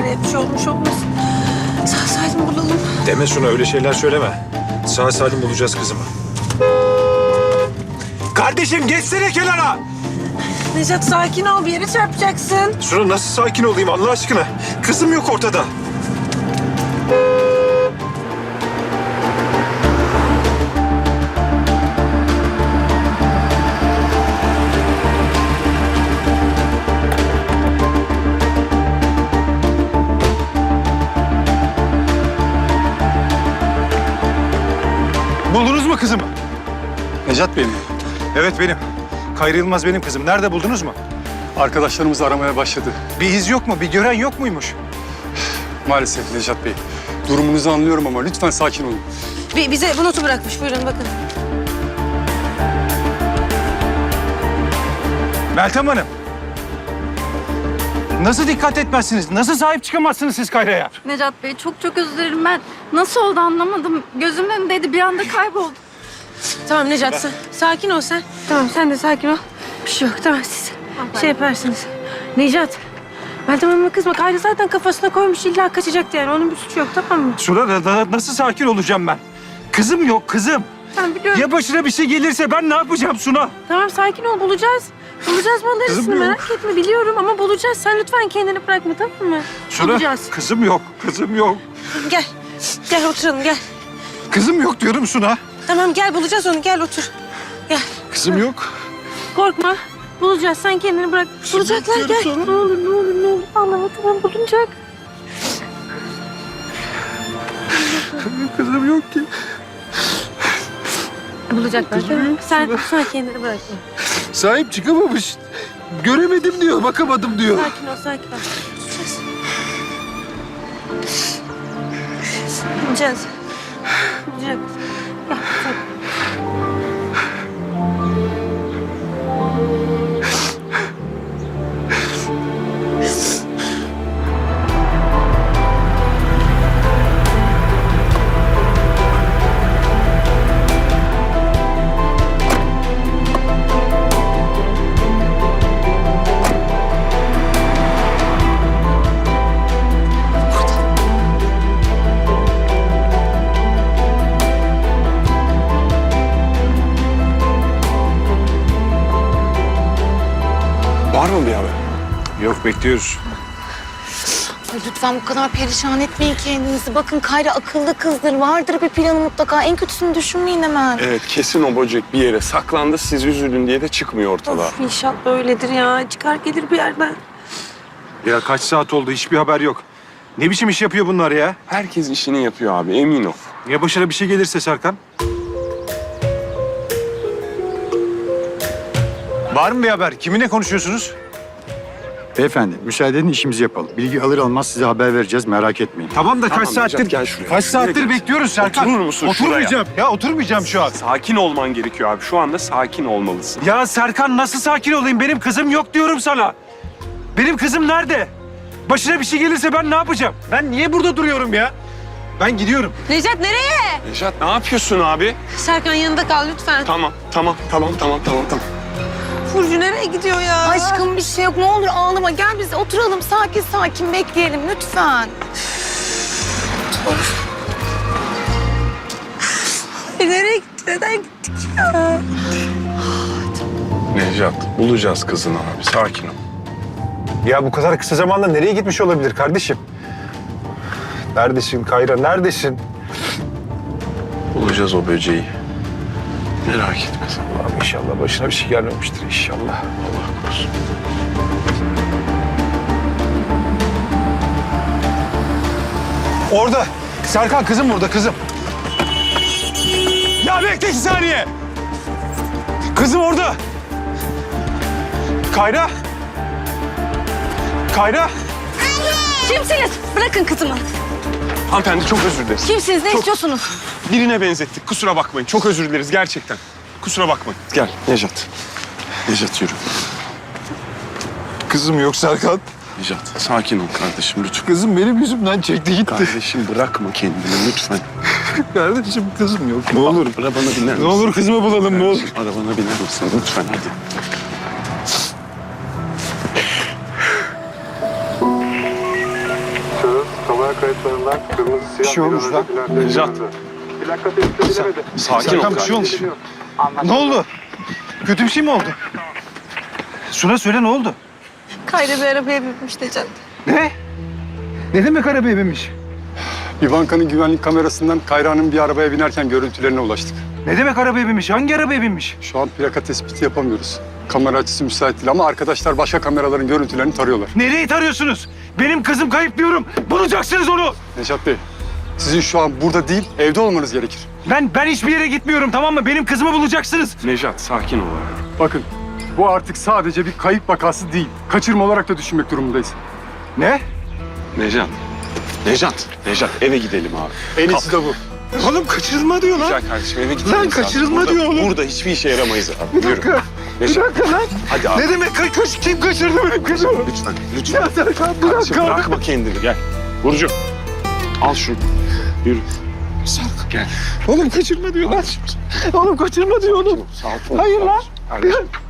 Kayra'ya bir şey olmuş olmasın. Sağ salim bulalım. Deme Suna, öyle şeyler söyleme. Sağ salim bulacağız kızımı. Kardeşim geçsene kenara. Necat sakin ol, bir yere çarpacaksın. Suna nasıl sakin olayım Allah aşkına? Kızım yok ortada. Buldunuz mu kızımı? Necat Bey mi? Evet benim. Kayra Yılmaz benim kızım. Nerede buldunuz mu? Arkadaşlarımız aramaya başladı. Bir iz yok mu? Bir gören yok muymuş? Maalesef Necat Bey. Durumunuzu anlıyorum ama lütfen sakin olun. Bize bu notu bırakmış, buyurun bakın. Meltem Hanım. Nasıl dikkat etmezsiniz? Nasıl sahip çıkamazsınız siz Kayra'ya? Necat Bey çok özür dilerim. Ben nasıl oldu anlamadım. Gözümün önündeydi, bir anda kayboldu. Tamam Necat, sakin ol sen. Tamam, sen de sakin ol. Bir şey yok, tamam siz şey yaparsınız. Necat, Meltem Hanım'a kızma. Kayra zaten kafasına koymuş, illa kaçacaktı yani. Onun bir suçu yok, tamam mı? Suna nasıl sakin olacağım ben? Kızım yok kızım. Tamam, biliyorum. Ya başına bir şey gelirse ben ne yapacağım Suna? Tamam, sakin ol, bulacağız. Bulacağız mallarısını, Kızım yok. merak etme. Biliyorum ama bulacağız. Sen lütfen kendini bırakma, tamam mı? Suna, Bulacağız. kızım yok, kızım yok. Gel, gel oturalım, gel. Kızım yok diyorum Suna. Tamam, gel bulacağız onu, gel otur. Gel. Kızım yok. Korkma. Bulacağız. Sen kendini bırak. Bulacaklar. Gel. Ne olur, ne olur, ne olur. Allah'ım, tamam bulunacak. Kızım yok ki. Bulacaklar. Sen kendini bırakma. Sahip çıkamamış. Göremedim diyor, bakamadım diyor. Sakin ol, sakin ol. Bulacağız. Bulacağız. Gel, sakin. Var mı bir haber? Yok, bekliyoruz. Ay lütfen bu kadar perişan etmeyin kendinizi. Bakın Kayra akıllı kızdır. Vardır bir planı mutlaka. En kötüsünü düşünmeyin hemen. Evet, kesin o böcek bir yere saklandı. Siz üzülün diye de çıkmıyor ortalığa. Of, inşallah öyledir ya. Çıkar gelir bir yerden. Ya kaç saat oldu, hiçbir haber yok. Ne biçim iş yapıyor bunlar ya? Herkes işini yapıyor abi, emin ol. Ya başına bir şey gelirse Serkan? Var mı bir haber? Kiminle konuşuyorsunuz? Beyefendi, müsaade edin işimizi yapalım. Bilgi alır almaz size haber vereceğiz, merak etmeyin. Tamam da kaç Tamam, saattir... Necat, gel şuraya. Kaç saattir Şuraya gel. bekliyoruz Serkan. Oturur musun Oturmayacağım. Ya oturmayacağım şu an. Sakin olman gerekiyor abi. Şu anda sakin olmalısın. Ya Serkan nasıl sakin olayım? Benim kızım yok diyorum sana. Benim kızım nerede? Başına bir şey gelirse ben ne yapacağım? Ben niye burada duruyorum ya? Ben gidiyorum. Necat nereye? Nejat, ne yapıyorsun abi? Serkan yanında kal lütfen. Tamam. Burcu nereye gidiyor ya? Aşkım bir şey yok. Ne olur ağlama. Gel biz oturalım sakin sakin bekleyelim lütfen. Nereye gitti? Neden gittik ya? Nejat, bulacağız kızını abi. Sakin ol. Ya bu kadar kısa zamanda nereye gitmiş olabilir kardeşim? Neredesin Kayra, neredesin? Bulacağız o böceği. Merak etme sen. Allah'ım inşallah başına bir şey gelmemiştir inşallah. Allah korusun. Orada. Serkan kızım burada, kızım. Ya bekle 2 saniye. Kızım orada. Kayra. Kayra. Kimsiniz? Bırakın kızımı. Hanımefendi çok özür dileriz. Kimsiniz? Ne istiyorsunuz? Birine benzettik. Kusura bakmayın. Çok özür dileriz gerçekten. Kusura bakmayın. Gel Nejat. Nejat yürü. Kızım yok Serkan. Nejat sakin ol kardeşim lütfen. Kızım benim yüzümden çekti gitti. Kardeşim bırakma kendini lütfen. Kardeşim kızım yok. Ne olur. Arabana biner misin? Ne olur kızımı bulalım, ne olur. Arabana biner misin? Lütfen hadi. Bir şey olmuş lan. Nejat. Sakin ol. Bir şey olmuş. Ne oldu? Kötü bir şey mi oldu? Suna söyle ne oldu? Kayra bir arabaya binmiş Necat. Ne? Ne demek arabaya binmiş? Bir bankanın güvenlik kamerasından Kayra'nın bir arabaya binerken görüntülerine ulaştık. Ne demek arabaya binmiş? Hangi arabaya binmiş? Şu an plaka tespiti yapamıyoruz. Kamera açısı müsait değil ama arkadaşlar başka kameraların görüntülerini tarıyorlar. Nereyi tarıyorsunuz? Benim kızım kayıp diyorum. Bulacaksınız onu. Nejat Bey, sizin şu an burada değil, evde olmanız gerekir. Ben hiçbir yere gitmiyorum, tamam mı? Benim kızımı bulacaksınız. Nejat sakin ol. Bakın, bu artık sadece bir kayıp vakası değil. Kaçırma olarak da düşünmek durumundayız. Ne? Nejat eve gidelim abi. En iyisi de bu. Oğlum kaçırılma diyor lan. Güzel kardeşim eve gidelim. Lan biz abi. kaçırılma diyor oğlum. Burada hiçbir işe yaramayız abi. Yürü. Bir Nejat dakika lan. hadi abi. Ne demek kim kaçırdı benim kızımı? Lütfen. Ya Serkan Kardeşim, bırak. bırakma kendini gel. Burcu al şunu. Yürü. Sark gel. Oğlum kaçırma diyor lan. Oğlum kaçırma diyor oğlum. Sakin ol. Hayır lan. Kardeşim.